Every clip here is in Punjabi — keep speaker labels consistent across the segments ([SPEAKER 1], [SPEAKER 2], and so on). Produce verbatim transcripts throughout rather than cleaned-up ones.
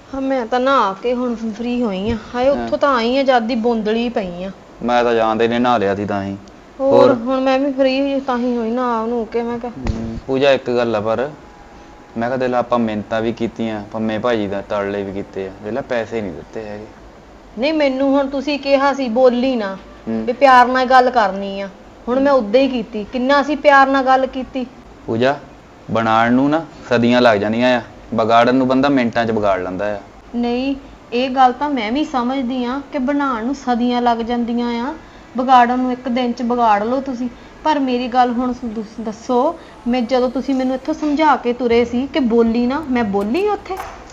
[SPEAKER 1] ਹਾਂ ਮੈਂ ਤਾਂ ਨਹਾ ਕੇ ਹੁਣ ਫ੍ਰੀ ਹੋਈ ਆ। ਹਾਏ ਉੱਥੋਂ ਤਾਂ ਆਈ ਆ ਜਦ ਦੀ ਬੋਂਦਲੀ ਪਈ ਆ।
[SPEAKER 2] ਮੈਂ ਤਾਂ ਜਾਂਦੇ ਨੇ ਨਹਾ ਲਿਆ ਸੀ ਤਾਂ ਹੀ।
[SPEAKER 1] ਹੋਰ ਹੁਣ ਮੈਂ ਵੀ ਫ੍ਰੀ ਤਾਂ ਹੀ ਹੋਈ ਨਹਾ ਨੂੰ ਕੇ ਮੈਂ ਕਿਹਾ
[SPEAKER 2] ਪੂਜਾ ਇੱਕ ਗੱਲ ਆ ਪਰ ਮੈਂ ਕਿਹਾ ਦਿਲ ਆਪਾਂ ਮਿਹਨਤਾਂ ਵੀ ਕੀਤੀਆਂ ਪੰਮੇ ਭਾਜੀ ਦਾ ਤਰਲੇ ਵੀ ਕੀਤੇ ਆ ਦਿਲ ਪੈਸੇ ਨਹੀਂ ਦਿੱਤੇ ਹੈਗੇ।
[SPEAKER 1] ਨਹੀਂ ਮੈਨੂੰ ਹੁਣ ਤੁਸੀਂ ਕਿਹਾ ਸੀ ਬੋਲੀ ਨਾ ਵੀ ਪਿਆਰ ਨਾਲ ਗੱਲ ਕਰਨੀ ਆ। ਹੁਣ ਮੈਂ ਉਦਾਂ ਹੀ ਕੀਤੀ। ਕਿੰਨਾ ਅਸੀਂ ਪਿਆਰ ਨਾਲ ਗੱਲ ਕੀਤੀ।
[SPEAKER 2] ਪੂਜਾ ਬਣਾਉਣ ਨੂੰ ਨਾ ਸਦੀਆਂ ਲੱਗ ਜਾਂਦੀਆਂ ਆ ਵਿਗਾੜਨ ਨੂੰ ਬੰਦਾ ਮਿੰਟਾਂ 'ਚ ਵਿਗਾੜ ਲੈਂਦਾ ਆ।
[SPEAKER 1] ਨਹੀਂ ਇਹ ਗੱਲ ਤਾਂ ਮੈਂ ਵੀ ਸਮਝਦੀ ਆ ਕਿ ਬਣਾਉਣ ਨੂੰ ਸਦੀਆਂ ਲੱਗ ਜਾਂਦੀਆਂ ਆ ਵਿਗਾੜਨ ਨੂੰ ਇੱਕ ਦਿਨ 'ਚ ਵਿਗਾੜ ਲਓ ਤੁਸੀਂ। ਪਰ ਮੇਰੀ ਗੱਲ ਹੁਣ ਦੱਸੋ ਮੈਂ ਜਦੋਂ ਤੁਸੀਂ ਮੈਨੂੰ ਇੱਥੋਂ ਸਮਝਾ ਕੇ ਤੁਰੇ ਸੀ ਕਿ ਬੋਲੀ ਨਾ ਮੈਂ ਬੋਲੀ ਉੱਥੇ।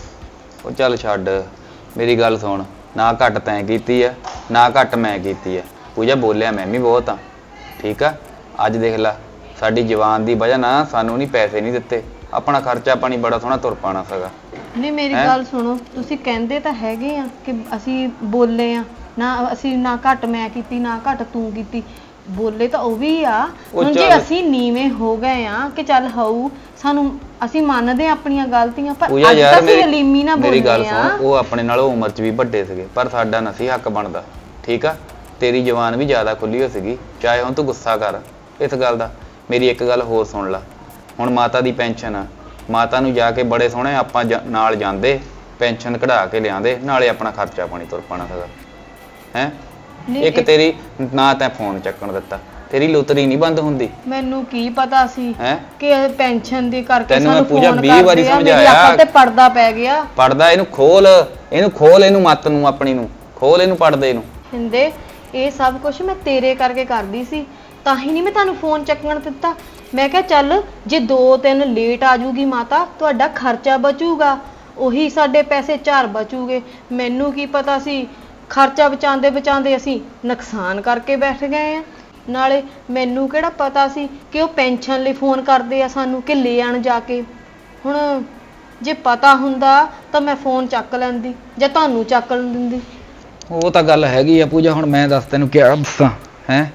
[SPEAKER 2] ਉਹ ਚੱਲ ਛੱਡ ਮੇਰੀ ਗੱਲ ਸੁਣ ਨਾ ਘੱਟ ਤੈਂ ਕੀਤੀ ਆ ਨਾ ਘੱਟ ਮੈਂ ਕੀਤੀ ਆ। ਪੂਜਾ ਬੋਲਿਆ ਮੈਂ ਵੀ ਬਹੁਤ ਆ ਠੀਕ ਆ। ਅੱਜ ਦੇਖ ਲੈ ਸਾਡੀ ਜਵਾਨ ਦੀ ਵਜ੍ਹਾ ਨਾਲ ਸਾਨੂੰ ਨਹੀਂ ਪੈਸੇ ਨਹੀਂ ਦਿੱਤੇ। ਆਪਣਾ ਖਰਚਾ ਪਾਣੀ ਬੜਾ ਸੋਹਣਾ ਤੁਰ ਪਾਣਾ ਸੀਗਾ।
[SPEAKER 1] ਨਹੀਂ ਮੇਰੀ ਗੱਲ ਸੁਣੋ ਤੁਸੀਂ ਕਹਿੰਦੇ ਤਾਂ ਹੈਗੇ ਆ ਕਿ ਅਸੀਂ ਬੋਲੇ ਆ ਨਾ ਅਸੀਂ ਨਾ ਘੱਟ ਮੈਂ ਕੀਤੀ ਨਾ ਘੱਟ ਤੂੰ ਕੀਤੀ। ਬੋਲੇ ਤਾਂ ਉਹ ਵੀ ਆ। ਹੁਣ ਜੇ ਅਸੀਂ ਨੀਵੇਂ ਹੋ ਗਏ ਆ ਕਿ ਚੱਲ ਹੋਊ ਸਾਨੂੰ ਅਸੀਂ ਮੰਨਦੇ ਆਪਣੀਆਂ ਗਲਤੀਆਂ ਪਰ ਅੱਜ ਤਾਂ ਅਸੀਂ ਹਲੀਮੀ ਨਾ ਬੋਲੇ ਆ।
[SPEAKER 2] ਮੇਰੀ ਗੱਲ ਸੁਣ ਉਹ ਆਪਣੇ ਨਾਲੋਂ ਉਮਰ 'ਚ ਵੀ ਵੱਡੇ ਸੀਗੇ ਪਰ ਸਾਡਾ ਨਸੀ ਹੱਕ ਬਣਦਾ ਠੀਕ ਆ। ਤੇਰੀ ਜਵਾਨ ਵੀ ਜ਼ਿਆਦਾ ਖੁੱਲੀ ਹੋ ਸੀਗੀ ਚਾਹੇ ਹੁਣ ਤੂੰ ਗੁੱਸਾ ਕਰ ਇਸ ਗੱਲ ਦਾ। ਮੇਰੀ ਇੱਕ ਗੱਲ ਹੋਰ ਸੁਣ ਲਾ ਹੁਣ ਮਾਤਾ ਦੀ ਪੈਨਸ਼ਨ ਆ ਮਾਤਾ ਨੂੰ ਜਾ ਕੇ ਬੜੇ ਸੋਹਣੇ ਆਪਾਂ ਨਾਲ ਜਾਂਦੇ ਪੈਨਸ਼ਨ ਕਢਾ ਕੇ ਲਿਆਂਦੇ ਨਾਲੇ ਆਪਣਾ ਖਰਚਾ ਪਾਣੀ ਤੁਰ ਪਾਣਾ ਸੀਗਾ ਹੈ। ਇੱਕ ਤੇਰੀ ਨਾ ਤੈਂ ਫੋਨ ਚੱਕਣ ਦਿੱਤਾ ਤੇਰੀ ਲੁਤਰੀ ਨਹੀਂ ਬੰਦ ਹੁੰਦੀ।
[SPEAKER 1] ਮੈਨੂੰ ਕੀ ਪਤਾ ਸੀ
[SPEAKER 2] ਹੈ
[SPEAKER 1] ਕਿ ਪੈਨਸ਼ਨ ਦੇ ਕਰਕੇ
[SPEAKER 2] ਤੈਨੂੰ ਮੈਂ ਪੂਜਾ ਵੀਹ ਵਾਰੀ ਸਮਝਾਇਆ
[SPEAKER 1] ਤੇ ਪਰਦਾ ਪੈ ਗਿਆ।
[SPEAKER 2] ਪੜਦਾ ਇਹਨੂੰ ਖੋਲ ਇਹਨੂੰ ਖੋਲ ਇਹਨੂੰ ਮੱਤ ਨੂੰ ਆਪਣੀ ਨੂੰ ਖੋਲ ਇਹਨੂੰ ਪੜਦੇ ਇਹਨੂੰ।
[SPEAKER 1] ਹਿੰਦੇ ਇਹ ਸਭ ਕੁਝ ਮੈਂ ਤੇਰੇ ਕਰਕੇ ਕਰਦੀ ਸੀ ਤਾਂ ਹੀ ਨਹੀਂ ਮੈਂ ਤੁਹਾਨੂੰ ਫੋਨ ਚੱਕਣ ਦਿੱਤਾ। ਮੈਂ ਕਿਹਾ ਚੱਲ ਜੇ ਦੋ ਤਿੰਨ ਲੇਟ ਆ ਜੂਗੀ ਮਾਤਾ ਤੁਹਾਡਾ ਖਰਚਾ ਬਚੂਗਾ ਉਹੀ ਸਾਡੇ ਪੈਸੇ ਚਾਰ ਬਚੂਗੇ। ਮੈਨੂੰ ਕੀ ਪਤਾ ਸੀ ਖਰਚਾ ਬਚਾਉਂਦੇ ਬਚਾਉਂਦੇ ਅਸੀਂ ਨੁਕਸਾਨ ਕਰਕੇ ਬੈਠ ਗਏ ਆ। ਨਾਲੇ ਮੈਨੂੰ ਕਿਹੜਾ ਪਤਾ ਸੀ ਕਿ ਉਹ ਪੈਨਸ਼ਨ ਲਈ ਫੋਨ ਕਰਦੇ ਆ ਸਾਨੂੰ ਕਿ ਲੈ ਆਣ ਜਾ ਕੇ। ਹੁਣ ਜੇ ਪਤਾ ਹੁੰਦਾ ਤਾਂ ਮੈਂ ਫੋਨ ਚੱਕ ਲੈਂਦੀ ਜਾਂ ਤੁਹਾਨੂੰ ਚੱਕ ਦਿੰਦੀ।
[SPEAKER 2] ਉਹ ਤਾਂ ਗੱਲ ਹੈਗੀ ਆ ਪੂਜਾ ਹੁਣ ਮੈਂ ਦੱਸ ਤੈਨੂੰ ਕਿਆ ਦੱਸਾਂ ਹੈ।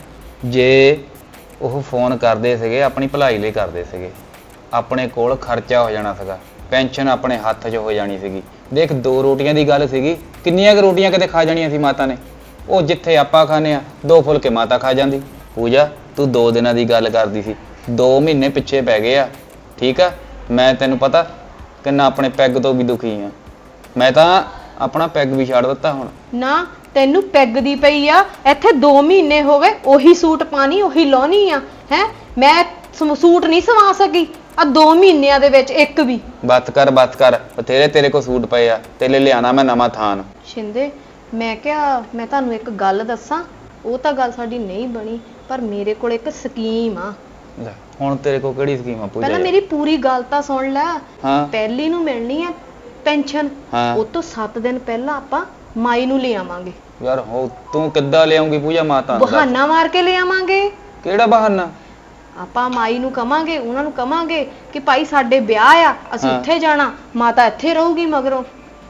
[SPEAKER 2] ਜੇ ਉਹ ਫੋਨ ਕਰਦੇ ਸੀਗੇ ਆਪਣੀ ਭਲਾਈ ਲਈ ਕਰਦੇ ਸੀਗੇ ਆਪਣੇ ਕੋਲ ਖਰਚਾ ਹੋ ਜਾਣਾ ਸੀਗਾ ਪੈਨਸ਼ਨ ਆਪਣੇ ਹੱਥ 'ਚ ਹੋ ਜਾਣੀ ਸੀਗੀ। ਦੇਖ ਦੋ ਰੋਟੀਆਂ ਦੀ ਗੱਲ ਸੀਗੀ ਕਿੰਨੀਆਂ ਕੁ ਰੋਟੀਆਂ ਕਿਤੇ ਖਾ ਜਾਣੀਆਂ ਸੀ ਮਾਤਾ ਨੇ। ਉਹ ਜਿੱਥੇ ਆਪਾਂ ਖਾਂਦੇ ਆ ਦੋ ਫੁਲਕੇ ਮਾਤਾ ਖਾ ਜਾਂਦੀ। ਪੂਜਾ ਤੂੰ ਦੋ ਦਿਨਾਂ ਦੀ ਗੱਲ ਕਰਦੀ ਸੀ ਦੋ ਮਹੀਨੇ ਪਿੱਛੇ ਪੈ ਗਏ ਆ ਠੀਕ ਆ। ਮੈਂ ਤੈਨੂੰ ਪਤਾ ਕਿੰਨਾ ਆਪਣੇ ਪੈਗ ਤੋਂ ਵੀ ਦੁਖੀ ਆ। ਮੈਂ ਤਾਂ ਆਪਣਾ ਪੈਗ ਵੀ ਛੱਡ ਦਿੱਤਾ ਹੁਣ।
[SPEAKER 1] ਨਾ ਤੈਨੂੰ ਪੈਗ ਦੀ ਪਈ ਆ ਇੱਥੇ ਦੋ ਮਹੀਨੇ ਹੋ ਗਏ ਉਹੀ ਸੂਟ ਪਾਣੀ ਉਹੀ ਲਾਉਣੀ ਆ ਹੈ। ਮੈਂ ਸੂਟ ਨਹੀਂ ਸਵਾ ਸਕੀ ਆ ਦੋ ਮਹੀਨਿਆਂ ਦੇ ਵਿੱਚ ਇੱਕ ਵੀ।
[SPEAKER 2] ਬਸ ਕਰ ਬਸ ਕਰ ਬਥੇਰੇ ਤੇਰੇ ਕੋਲ ਸੂਟ ਪਏ ਆ ਤੇਰੇ ਲਿਆਣਾ ਮੈਂ ਨਵਾਂ ਥਾਨ।
[SPEAKER 1] ਸ਼ਿੰਦੇ ਮੈਂ ਕਿਹਾ ਮੈਂ ਤੁਹਾਨੂੰ ਇੱਕ ਗੱਲ ਦੱਸਾਂ ਉਹ ਤਾਂ ਗੱਲ ਸਾਡੀ ਨਹੀਂ ਬਣੀ ਪਰ ਮੇਰੇ ਕੋਲ ਇੱਕ ਸਕੀਮ ਆ।
[SPEAKER 2] ਹੁਣ ਤੇਰੇ ਕੋਲ ਕਿਹੜੀ ਸਕੀਮ ਆ ਪੂਜਾ?
[SPEAKER 1] ਪਹਿਲਾਂ ਮੇਰੀ ਪੂਰੀ ਗੱਲ ਤਾਂ ਸੁਣ ਲੈ।
[SPEAKER 2] ਹਾਂ
[SPEAKER 1] ਪਹਿਲੀ ਨੂੰ ਮਿਲਣੀ ਆ ਪੈਨਸ਼ਨ ਉਹ ਤੋਂ ਸੱਤ ਦਿਨ ਪਹਿਲਾਂ ਆਪਾਂ ਮਾਈ ਨੂੰ ਲੈ ਆਵਾਂਗੇ।
[SPEAKER 2] ਯਾਰ ਹੋ ਤੂੰ ਕਿੱਦਾਂ ਲਿਆਉਂਗੀ ਪੂਜਾ ਮਾਤਾ ਨੂੰ?
[SPEAKER 1] ਬਹਾਨਾ ਮਾਰ ਕੇ ਲੈ ਆਵਾਂਗੇ।
[SPEAKER 2] ਕਿਹੜਾ ਬਹਾਨਾ?
[SPEAKER 1] ਆਪਾਂ ਮਾਈ ਨੂੰ ਕਵਾਂਗੇ ਉਹਨਾਂ ਨੂੰ ਕਵਾਂਗੇ ਕਿ ਭਾਈ ਸਾਡੇ ਵਿਆਹ ਆ ਅਸੀਂ ਉੱਥੇ ਜਾਣਾ ਮਾਤਾ ਇੱਥੇ ਰਹੂਗੀ ਮਗਰੋਂ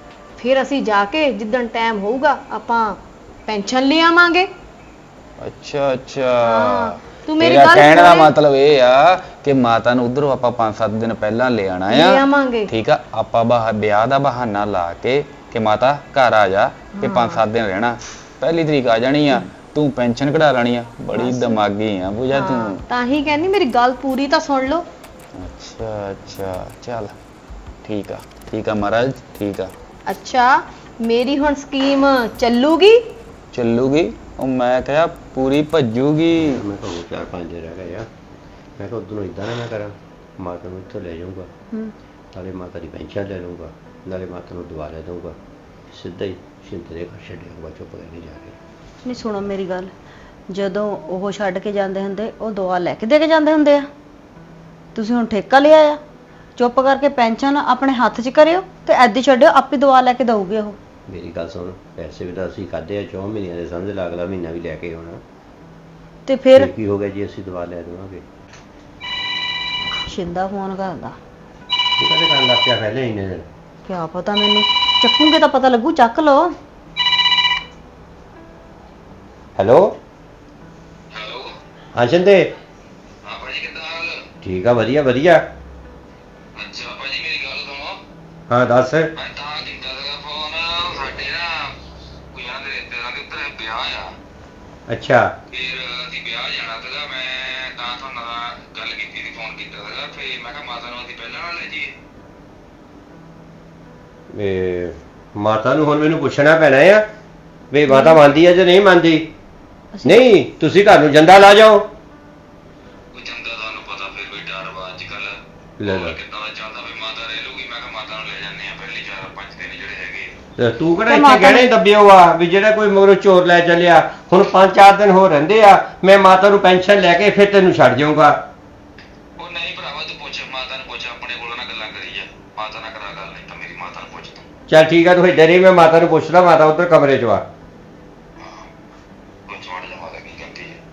[SPEAKER 1] ਫਿਰ ਅਸੀਂ ਜਾ ਕੇ ਜਿੱਦਣ ਟਾਈਮ ਹੋਊਗਾ ਆਪਾਂ ਪੈਨਸ਼ਨ ਲੈ ਆਵਾਂਗੇ।
[SPEAKER 2] ਅੱਛਾ ਅੱਛਾ
[SPEAKER 1] ਤੂੰ ਮੇਰੀ ਗੱਲ
[SPEAKER 2] ਕਹਿਣ ਦਾ ਮਤਲਬ ਇਹ ਆ ਕਿ ਮਾਤਾ ਨੂੰ ਉਧਰੋਂ ਆਪਾਂ ਪੰਜ ਸੱਤ ਦਿਨ ਪਹਿਲਾਂ ਲੈ ਆਣਾ ਆ ਠੀਕ ਆ। ਆਪਾਂ ਵਿਆਹ ਦਾ ਬਹਾਨਾ ਲਾ ਕੇ ਕਿ ਮਾਤਾ ਘਰ ਆ ਜਾ ਕਿ ਪੰਜ ਸੱਤ ਦਿਨ ਰਹਿਣਾ ਪਹਿਲੀ ਤਰੀਕ ਆ ਜਾਣੀ ਆ ਤੂੰ ਪੈਨਸ਼ਨ ਕਢਾ ਲੈਣੀ ਆ। ਬੜੀ ਦਿਮਾਗੀ ਆ ਪੂਜਾ ਤੂੰ।
[SPEAKER 1] ਤਾਂ ਹੀ ਕਹਿੰਦੀ ਮੇਰੀ ਗੱਲ ਪੂਰੀ ਤਾਂ ਸੁਣ ਲਓ।
[SPEAKER 2] ਅੱਛਾ ਅੱਛਾ ਚੱਲ ਠੀਕ ਆ ਠੀਕ ਆ ਮਹਾਰਾਜ ਠੀਕ ਆ।
[SPEAKER 1] ਅੱਛਾ ਮੇਰੀ ਹੁਣ ਸਕੀਮ ਚੱਲੂਗੀ?
[SPEAKER 2] ਚੱਲੂਗੀ ਉਹ ਮੈਂ ਕਿਹਾ ਪੂਰੀ ਭੱਜੂਗੀ।
[SPEAKER 3] ਮੈਂ ਤੁਹਾਨੂੰ ਚਾਰ ਪੰਜ ਦਿਨ ਰਹਿ ਗਏ ਆ ਮੈਂ ਕਿਹਾ ਉਦੋਂ ਇਦਾਂ ਨਾ ਮੈਂ ਕਰਾਂ ਮਾਤਾ ਨੂੰ ਇੱਥੋਂ ਲੈ ਜਾਊਂਗਾ ਨਾਲੇ ਮਾਤਾ ਦੀ ਪੈਨਸ਼ਨ ਲੈ ਲਊਂਗਾ ਨਾਲੇ ਮਾਤਾ ਨੂੰ ਦਵਾ ਲੈ ਦਊਂਗਾ ਸਿੱਧਾ ਹੀ ਸ਼ਿੰਦੇ ਦੇ ਘਰ ਛੱਡਿਆ ਚੁੱਪ ਕਰਕੇ ਜਾ ਕੇ।
[SPEAKER 4] ਨਹੀਂ ਸੁਣੋ ਮੇਰੀ ਗੱਲ ਜਦੋਂ ਉਹ ਛੱਡ ਕੇ ਜਾਂਦੇ ਹੁੰਦੇ ਉਹ ਦਵਾ ਲੈ ਕੇ ਦੇ ਕੇ ਜਾਂਦੇ ਹੁੰਦੇ ਆ। ਤੁਸੀਂ ਹੁਣ ਠੇਕਾ ਲਿਆ ਆ ਚੁੱਪ ਕਰਕੇ ਪੈਨਸ਼ਨ ਆਪਣੇ ਹੱਥ 'ਚ ਕਰਿਓ ਤੇ ਐਦੀ ਛੱਡਿਓ ਆਪੇ ਦਵਾ ਲੈ ਕੇ ਦਊਗੇ ਉਹ।
[SPEAKER 3] ਮੇਰੀ ਗੱਲ ਸੁਣ ਪੈਸੇ ਵੀ ਤਾਂ ਅਸੀਂ ਖਾਦੇ ਆ ਚੌਂ ਮਹੀਨਿਆਂ ਦੇ ਸਮਝ ਲਾ ਅਗਲਾ ਮਹੀਨਾ ਵੀ ਲੈ ਕੇ ਆਉਣਾ
[SPEAKER 4] ਤੇ ਫਿਰ
[SPEAKER 3] ਕੀ ਹੋ ਗਿਆ ਜੀ ਅਸੀਂ ਦਵਾ ਲੈ ਦੇਵਾਂਗੇ।
[SPEAKER 4] ਸ਼ਿੰਦਾ ਫੋਨ ਕਰਦਾ
[SPEAKER 3] ਉਹ ਕਹਿੰਦੇ ਕਰਨ ਲੱਗ ਪਿਆ ਪਹਿਲੇ ਇੰਨੇ ਦਿਨ।
[SPEAKER 4] ਕਿਆ ਪਤਾ ਮੈਨੂੰ ਚੱਕੂਗੇ ਤਾਂ ਪਤਾ ਲੱਗੂ ਚੱਕ ਲਓ।
[SPEAKER 3] ਹੈਲੋ
[SPEAKER 5] ਹੈਲੋ
[SPEAKER 3] ਹਾਂ ਸ਼ਿੰਦੇ।
[SPEAKER 5] ਹਾਂ ਭਾਜੀ ਕਿੱਦਾਂ ਹਾਲ?
[SPEAKER 3] ਠੀਕ ਆ ਵਧੀਆ ਵਧੀਆ।
[SPEAKER 5] ਅੱਛਾ ਭਾਜੀ ਮੇਰੀ ਗੱਲ ਸੁਣੋ।
[SPEAKER 3] ਹਾਂ ਦੱਸ।
[SPEAKER 5] ਮੈਂ ਤਾਂ ਕੀਤਾ ਸੀਗਾ
[SPEAKER 3] ਅੱਛਾ
[SPEAKER 5] ਫਿਰ ਅਸੀਂ ਵਿਆਹ ਜਾਣਾ ਸੀਗਾ, ਮੈਂ ਤਾਂ ਤੁਹਾਨੂੰ ਨਾਲ ਗੱਲ ਕੀਤੀ ਸੀ, ਫੋਨ ਕੀਤਾ ਸੀਗਾ। ਫਿਰ ਮੈਂ ਕਿਹਾ ਮਾਤਾ ਨੂੰ ਅਸੀਂ ਪਹਿਲਾਂ ਨਾਲ ਲੈ ਜਾਈਏ।
[SPEAKER 3] ਇਹ ਮਾਤਾ ਨੂੰ ਹੁਣ ਮੈਨੂੰ ਪੁੱਛਣਾ ਪੈਣਾ ਆ ਵੀ ਮਾਤਾ ਮੰਨਦੀ ਆ ਜਾਂ ਨਹੀਂ ਮੰਨਦੀ। ਨਹੀਂ ਤੁਸੀਂ ਘਰ ਨੂੰ ਜੰਦਾ ਲਾ ਜਾਓ।
[SPEAKER 5] ਕੋਈ ਚੰਗਾ ਤੁਹਾਨੂੰ ਪਤਾ ਫਿਰ ਵੀ ਡਰ ਵਾ ਅੱਜ ਕੱਲ
[SPEAKER 3] ਲੈ ਲੈ।
[SPEAKER 5] ਕਿੱਦਾਂ ਦਾ ਚੱਲਦਾ, ਵੀ ਮਾਤਾ ਰਹਿ ਲੂਗੀ। ਮੈਂ ਕਿਹਾ ਮਾਤਾ ਨੂੰ ਲੈ ਜਾਂਦੇ ਆ ਪਹਿਲੀ ਚਾਰ ਪੰਜ ਦਿਨ ਜਿਹੜੇ ਹੈਗੇ।
[SPEAKER 3] ਤੇ ਤੂੰ ਕਿਹੜਾ
[SPEAKER 4] ਤੇ
[SPEAKER 3] ਇੱਥੇ
[SPEAKER 4] ਮਾਤਾ
[SPEAKER 3] ਗਹਿਣੇ ਦੱਬਿਓ ਆ ਵੀ ਜਿਹੜਾ ਕੋਈ ਮਗਰੋਂ ਚੋਰ ਲੈ ਚੱਲਿਆ। ਹੁਣ ਪੰਜ ਚਾਰ ਦਿਨ ਹੋ ਰਹਿੰਦੇ ਆ, ਮੈਂ ਮਾਤਾ ਨੂੰ ਪੈਨਸ਼ਨ ਲੈ ਕੇ ਫਿਰ ਤੈਨੂੰ ਛੱਡ ਜਾਊਂਗਾ।
[SPEAKER 5] ਉਹ ਨਹੀਂ ਭਰਾਵਾ, ਤੂੰ ਪੁੱਛ ਮਾਤਾ ਨੂੰ, ਪੁੱਛ ਆਪਣੇ ਕੋਲੋਂ ਨਾ ਗੱਲਾਂ ਕਰੀ ਜਾ। ਮਾਤਾ ਨਾਲ ਕਰਾ ਗੱਲ, ਨਹੀਂ ਤਾਂ ਮੇਰੀ ਮਾਤਾ ਨੂੰ ਪੁੱਛ ਤੂੰ।
[SPEAKER 3] ਚੱਲ ਠੀਕ ਆ, ਤੂੰ ਇੱਧਰ ਹੀ, ਮੈਂ ਮਾਤਾ ਨੂੰ ਪੁੱਛਦਾ। ਮਾਤਾ ਉੱਧਰ ਕਮਰੇ 'ਚ ਆ।
[SPEAKER 5] ਪੁੱਛ ਵੜ ਜਾ ਮਾਤਾ ਕੀ ਕਹਿੰਦੀ ਹੈ।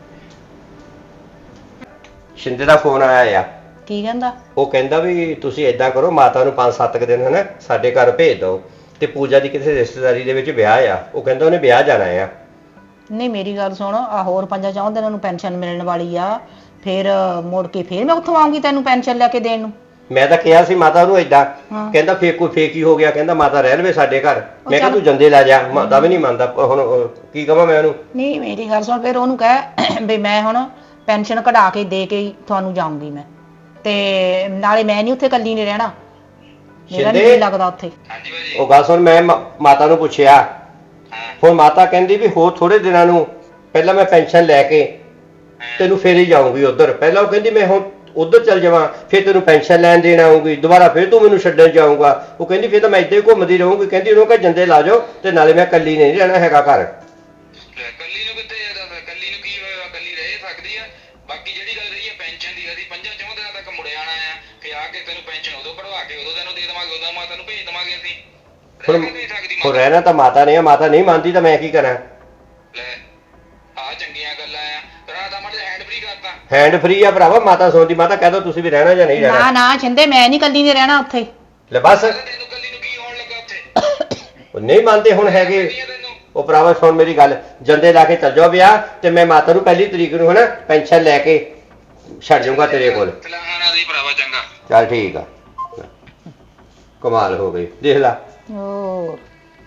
[SPEAKER 3] ਸ਼ਿੰਦੇ ਦਾ ਫੋਨ ਆਇਆ ਆ।
[SPEAKER 4] ਕੀ ਕਹਿੰਦਾ?
[SPEAKER 3] ਉਹ ਕਹਿੰਦਾ ਵੀ ਤੁਸੀਂ ਏਦਾਂ ਕਰੋ, ਮਾਤਾ ਨੂੰ ਪੰਜ ਸੱਤ ਕੁ ਦਿਨ ਹਨਾ ਸਾਡੇ ਘਰ ਭੇਜ ਦਿਓ, ਤੇ ਪੂਜਾ ਦੀ ਕਿਸੇ ਰਿਸ਼ਤੇਦਾਰੀ ਦੇ ਵਿੱਚ ਵਿਆਹ ਆ। ਉਹ ਕਹਿੰਦਾ ਉਹਨੇ ਵਿਆਹ ਜਾਣਾ ਆ।
[SPEAKER 6] ਨਹੀਂ ਮੇਰੀ ਗੱਲ ਸੁਣ, ਆ ਹੋਰ ਪੰਜਾਂ ਚੌਂ ਦਿਨਾਂ ਨੂੰ ਪੈਨਸ਼ਨ ਮਿਲਣ ਵਾਲੀ ਆ, ਫਿਰ ਮੁੜ ਕੇ ਫਿਰ ਮੈਂ ਉੱਥੋਂ ਆਉਂਗੀ ਤੈਨੂੰ ਪੈਨਸ਼ਨ ਲੈ ਕੇ ਦੇਣ ਨੂੰ।
[SPEAKER 3] ਮੈਂ ਤਾਂ ਕਿਹਾ ਸੀ ਮਾਤਾ ਨੂੰ ਏਦਾਂ,
[SPEAKER 6] ਹਾਂ।
[SPEAKER 3] ਕਹਿੰਦਾ ਫੇਰ ਕੋਈ ਫੇਕ ਹੀ ਹੋ ਗਿਆ, ਕਹਿੰਦਾ ਮਾਤਾ ਰਹਿ ਲਵੇ ਸਾਡੇ ਘਰ।
[SPEAKER 6] ਉਹ
[SPEAKER 3] ਮੈਂ ਕਿਹਾ
[SPEAKER 6] ਚੱਲ-
[SPEAKER 3] ਤੂੰ ਜੰਦੇ ਲੈ ਜਾ। ਮਾਤਾ ਵੀ ਨਹੀਂ ਮੰਨਦਾ। ਹੁਣ ਉਹ ਕੀ ਕਹਾਂ ਮੈਂ ਉਹਨੂੰ।
[SPEAKER 6] ਨਹੀਂ ਮੇਰੀ ਗੱਲ ਸੁਣ, ਫਿਰ ਉਹਨੂੰ ਕਹਿ ਵੀ ਮੈਂ ਹੁਣ ਪੈਨਸ਼ਨ ਕਢਾ ਕੇ ਦੇ ਕੇ ਹੀ ਤੁਹਾਨੂੰ ਜਾਊਂਗੀ ਮੈਂ, ਤੇ ਨਾਲੇ ਮੈਂ ਨਹੀਂ ਉੱਥੇ ਇਕੱਲੀ ਨਹੀਂ ਰਹਿਣਾ, ਮੇਰਾ
[SPEAKER 3] ਸ਼ਿੰਦੇ?
[SPEAKER 6] ਨਹੀਂ ਲੱਗਦਾ ਉੱਥੇ।
[SPEAKER 5] ਹਾਂਜੀ ਭਾਜੀ।
[SPEAKER 3] ਉਹ ਗੱਲ ਸੁਣ, ਮੈਂ ਮਾ- ਮਾਤਾ ਨੂੰ ਪੁੱਛਿਆ।
[SPEAKER 5] ਹਾਂ
[SPEAKER 3] ਹੁਣ ਮਾਤਾ ਕਹਿੰਦੀ ਵੀ ਹੋਰ ਥੋੜੇ ਦਿਨਾਂ ਨੂੰ ਪਹਿਲਾਂ ਮੈਂ ਪੈਨਸ਼ਨ ਲੈ ਕੇ ਤੈਨੂੰ ਫੇਰ ਹੀ ਜਾਊਂਗੀ ਉਧਰ। ਪਹਿਲਾਂ ਉਹ ਕਹਿੰਦੀ ਮੈਂ ਹੁਣ ਉਧਰ ਚੱਲ ਜਾਵਾਂ, ਫਿਰ ਤੈਨੂੰ ਪੈਨਸ਼ਨ ਲੈਣ ਦੇਣ ਆਊਂਗੀ, ਦੁਬਾਰਾ ਫਿਰ ਤੂੰ ਮੈਨੂੰ ਛੱਡਣ ਜਾਊਂਗਾ। ਉਹ ਕਹਿੰਦੀ ਫਿਰ ਤਾਂ ਮੈਂ ਇੱਦਾਂ ਹੀ ਘੁੰਮਦੀ ਰਹੂੰਗੀ। ਕਹਿੰਦੀ ਉਹਨੂੰ ਕਹ ਜੰਦੇ ਲਾ ਜਾਓ, ਤੇ ਨਾਲੇ ਮੈਂ ਇਕੱਲੀ ਨਹੀਂ ਰਹਿਣਾ ਹੈਗਾ ਘਰ।
[SPEAKER 5] ਲੈ, ਕੱਲੀ ਨੂੰ ਕਿੱਥੇ ਜਾਂਦਾ, ਕੱਲੀ ਨੂੰ ਕੀ ਹੋਇਆ, ਕੱਲੀ ਰਹਿ ਸਕਦੀ ਆ। ਬਾਕੀ ਜਿਹੜੀ ਗੱਲ ਰਹੀ ਹੈ ਪੈਨਸ਼ਨ ਦੀ, ਅਸੀਂ ਪੰਜਾਂ ਚੌਂ ਦਿਨਾਂ ਤੱਕ ਮੁੜ ਆਣਾ ਆ, ਕਿ ਆ ਕੇ ਤੈਨੂੰ ਪੈਨਸ਼ਨ ਉਦੋਂ ਕਢਵਾ ਕੇ ਉਦੋਂ ਤੈਨੂੰ ਦੇ ਦੇਵਾਂਗੇ, ਉਦੋਂ ਮਾਤਾ ਨੂੰ ਭੇਜ ਦੇਵਾਂਗੇ ਅਸੀਂ।
[SPEAKER 3] ਹੁਣ
[SPEAKER 5] ਰਹਿ ਨਹੀਂ ਸਕਦੀ
[SPEAKER 3] ਹੁਣ
[SPEAKER 5] ਮਾਤਾ।
[SPEAKER 3] ਰਹਿਣਾ ਤਾਂ ਮਾਤਾ ਨੇ ਆ, ਮਾਤਾ ਨਹੀਂ ਮੰਨਦੀ ਤਾਂ ਮੈਂ ਕੀ ਕਰਾਂ।
[SPEAKER 5] ਲੈ ਆ ਚੰਗੀਆਂ ਗੱਲਾਂ ਆ, ਤੇਰਾ ਤਾਂ ਮੜ ਹੈਂਡ ਫ੍ਰੀ ਕਰਤਾ।
[SPEAKER 3] ਹੈਂਡ ਫ੍ਰੀ ਆ ਭਰਾਵਾ, ਮਾਤਾ ਸੌਂਦੀ। ਮਾਤਾ ਕਹਿ ਦੋ ਤੁਸੀਂ ਵੀ ਰਹਿਣਾ ਜਾਂ ਨਹੀਂ
[SPEAKER 6] ਨਾ
[SPEAKER 3] ਰਹਿਣਾ।
[SPEAKER 6] ਨਾ ਛਿੰਦੇ, ਮੈਂ ਨਹੀਂ ਇਕੱਲੀ ਨਹੀਂ ਰਹਿਣਾ ਉੱਥੇ।
[SPEAKER 3] ਲੈ ਬਸ,
[SPEAKER 5] ਤੈਨੂੰ ਕੱਲੀ ਨੂੰ ਕੀ ਹੋਣ ਲੱਗਾ ਉੱਥੇ?
[SPEAKER 3] ਉਹ ਨਹੀਂ ਮੰਨਦੇ ਹੁਣ ਹੈਗੇ।
[SPEAKER 5] ਕੀ ਆ ਤੈਨੂੰ?
[SPEAKER 3] ਉਹ ਭਰਾਵਾ ਸੁਣ ਮੇਰੀ ਗੱਲ, ਜੰਦੇ ਲਾ ਕੇ ਚੱਲ ਜਾਓ ਵਿਆਹ, ਤੇ ਮੈਂ ਮਾਤਾ ਨੂੰ ਪਹਿਲੀ ਤਰੀਕ ਨੂੰ ਹਨਾ ਪੈਨਸ਼ਨ ਲੈ ਕੇ ਛੱਡ ਜਾਊਂਗਾ ਤੇਰੇ ਕੋਲ।
[SPEAKER 5] ਚਲਾਣਾ ਦੀ ਭਰਾਵਾ ਚੰਗਾ।
[SPEAKER 3] ਚੱਲ ਠੀਕ ਆ। ਕਮਾਲ ਹੋ ਗਈ, ਦੇਖ ਲਾ।
[SPEAKER 6] ਹੋਰ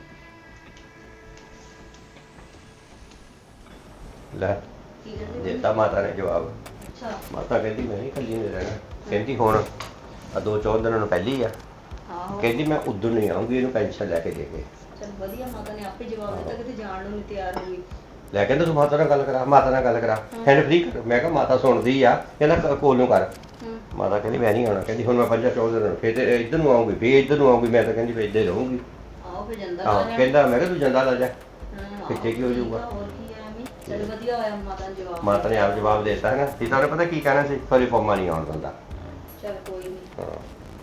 [SPEAKER 3] ਲੈ ਦਿੱਤਾ ਮਾਤਾ ਨੇ ਜਵਾਬ। ਮਾਤਾ ਕਹਿੰਦੀ ਮੈਂ ਨਹੀਂ ਕੱਲੀ ਨਹੀਂ ਰਹਿਣਾ। ਕਹਿੰਦੀ ਹੁਣ ਆ ਦੋ ਚੌਂ ਦਿਨਾਂ ਨੂੰ ਪਹਿਲੀ ਆ। ਕਹਿੰਦੀ ਮੈਂ ਉਦੋਂ ਨਹੀਂ ਆਉਂਗੀ, ਇਹਨੂੰ ਪੈਨਸ਼ਨ ਲੈ ਕੇ ਦੇ ਕੇ।
[SPEAKER 4] ਚਲ ਵਧੀਆ, ਮਾਤਾ ਨੇ ਆਪੇ ਜਵਾਬ ਦਿੱਤਾ, ਕਿਤੇ ਜਾਣ ਨੂੰ ਨਹੀਂ ਤਿਆਰ ਹੋਈ।
[SPEAKER 3] ਲੈ ਕਹਿੰਦਾ ਤੂੰ ਮਾਤਾ ਨਾਲ ਗੱਲ ਕਰਾ, ਮਾਤਾ ਨਾਲ ਗੱਲ ਕਰਾ, ਹੈਂਡ ਫ੍ਰੀ ਕਰ। ਮੈਂ ਕਿਹਾ ਮਾਤਾ ਸੁਣਦੀ ਆ, ਕਹਿੰਦਾ ਕ- ਕੋਲ ਨੂੰ ਕਰ। ਮਾਤਾ ਕਹਿੰਦੀ ਮੈਂ ਨਹੀਂ ਆਉਣਾ। ਕਹਿੰਦੀ ਹੁਣ ਮੈਂ ਪੰਜਾਂ ਚੌਂ ਦਿਨਾਂ ਨੂੰ ਫਿਰ ਤੇ ਇੱਧਰ ਨੂੰ ਆਉਂਗੀ, ਫਿਰ ਇੱਧਰ ਨੂੰ ਆਉਂਗੀ। ਮੈਂ ਤਾਂ ਕਹਿੰਦੀ ਫਿਰ ਇੱਧਰ ਹੀ ਰਹੂੰਗੀ।
[SPEAKER 4] ਆਓ ਫਿਰ ਜਾਂਦਾ
[SPEAKER 3] ਹਾਂ ਕਹਿੰਦਾ, ਮੈਂ ਕਿਹਾ ਤੂੰ ਜੰਦਾ ਲਾ ਜਾ,
[SPEAKER 4] ਹਾਂ,
[SPEAKER 3] ਪਿੱਛੇ ਕੀ ਹੋ ਜਾਊਗਾ।
[SPEAKER 4] ਹੋਰ ਕੀ ਹੈ ਐਵੇਂ। ਚਲ ਵਧੀਆ ਹੋਇਆ ਮਾਤਾ ਨੇ ਜਵਾਬ
[SPEAKER 3] ਮਾਤਾ ਨੇ ਆਪ ਜਵਾਬ ਦੇ ਦਿੱਤਾ ਹੈ ਨਾ। ਸੀਤਾ ਨੇ ਪਤਾ ਕੀ ਕਹਿਣਾ ਸੀ, ਫਰੀ ਫੋਮਾ ਨਹੀਂ ਆਉਣ ਦਿੰਦਾ।
[SPEAKER 4] ਚਲ ਕੋਈ ਨਹੀਂ।
[SPEAKER 3] ਹਾਂ।